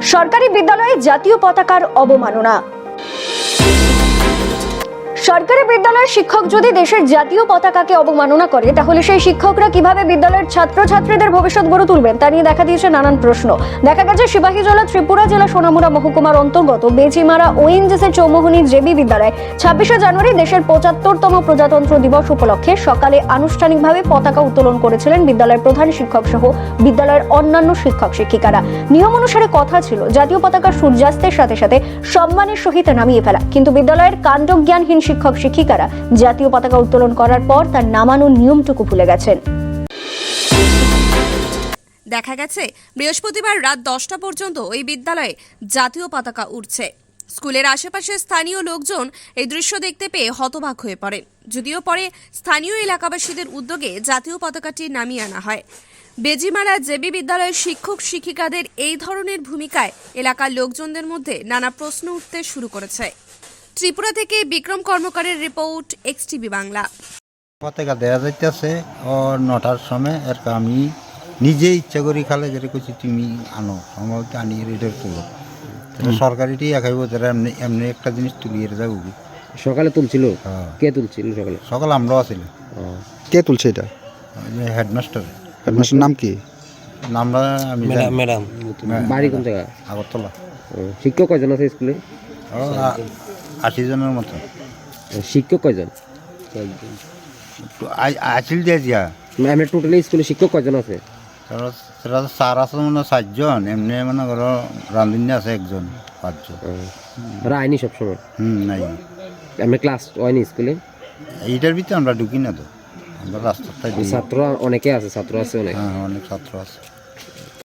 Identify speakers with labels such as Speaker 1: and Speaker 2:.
Speaker 1: সরকারি বিদ্যালয়ে জাতীয় পতাকার অবমাননা। সরকারি বিদ্যালয়ের শিক্ষক যদি দেশের জাতীয় পতাকাকে অবমাননা করে তাহলে সেই শিক্ষকরা কিভাবে বিদ্যালয়ের ছাত্রছাত্রীদের ভবিষ্যৎ গড়ে তুলবেন তা নিয়ে দেখা দিয়েছে নানান প্রশ্ন। দেখা গেছে সিপাহীজলা ত্রিপুরা জেলা সোনামুড়া মহকুমার অন্তর্গত বেচিমারা ওএনজিসি চৌমোহনী জেবি বিদ্যালয়ে 26শে জানুয়ারি দেশের 75তম প্রজাতন্ত্র দিবস উপলক্ষে সকালে আনুষ্ঠানিকভাবে পতাকা উত্তোলন করেছিলেন বিদ্যালয়ের প্রধান শিক্ষক সহ বিদ্যালয়ের অন্যান্য শিক্ষক শিক্ষিকারা। নিয়ম অনুসারে কথা ছিল জাতীয় পতাকা সূর্যাস্তের সাথে সাথে সম্মানের সহিত নামিয়ে ফেলা, কিন্তু বিদ্যালয়ের কাণ্ডজ্ঞানহীন শিক্ষক শিক্ষিকারা জাতীয় পতাকা উত্তোলন করার পর তার নামানোর নিয়মটুকু ভুলে গেছেন।
Speaker 2: দেখা গেছে বৃহস্পতিবার রাত 10টা পর্যন্ত ওই বিদ্যালয়ে জাতীয় পতাকা উড়ছে। স্কুলের আশেপাশে স্থানীয় লোকজন এই দৃশ্য দেখতে পেয়ে হতবাক হয়ে পড়েন। যদিও পরে স্থানীয় এলাকাবাসীদের উদ্যোগে জাতীয় পতাকাটি নামিয়ে আনা হয়। বেজিমারা জেবি বিদ্যালয়ের শিক্ষক শিক্ষিকাদের এই ধরনের ভূমিকায় এলাকার লোকজনদের মধ্যে নানা প্রশ্ন উঠতে শুরু করেছে। ত্রিপুরা থেকে বিক্রম কর্মকারের রিপোর্ট, এক্সটিভি বাংলা।
Speaker 3: পতাকা দেওয়া যাইতেছে ও 9টার সময় আর আমি নিজে ইচ্ছা করি খালে যেটা করছি তুমি আনো সময় আনি রেডের তুলো সরকারিটি একাইব যারা এমনি এমনি একটা জিনিস তুলিয়ে যাবো।
Speaker 4: সকালে তুলছিল? কে তুলছিল সকালে?
Speaker 3: সকালে আমরাও ছিল।
Speaker 5: কে তুলছে এটা?
Speaker 3: হেডমাস্টার।
Speaker 5: হেডমাস্টার নাম কি?
Speaker 3: নামটা আমি
Speaker 4: ম্যাডাম। বাড়ি কোন জায়গা?
Speaker 3: আগরতলা।
Speaker 4: শিক্ষক কয়জন আছে স্কুলে?
Speaker 3: 80 জনের মতো।
Speaker 4: শিক্ষক কয়জন?
Speaker 3: আসিল দিয়ে দিয়া
Speaker 4: আমরা টোটালি স্কুলে শিক্ষক কয়জন আছে?
Speaker 3: সেটা তো স্যার আছে মানে 4 জন, এমনি মানে ধরো রাঁধুনি আছে 1 জন, 5 জন।
Speaker 4: ওরা আইনি সবসময়?
Speaker 3: নাই।
Speaker 4: আমরা ক্লাস হয়নি স্কুলে?
Speaker 3: এইটার ভিতরে আমরা ঢুকি না তো, আমরা রাস্তাটাই
Speaker 4: ছাত্র অনেকে আছে, ছাত্র আছে অনেক।
Speaker 3: হ্যাঁ, অনেক ছাত্র আছে।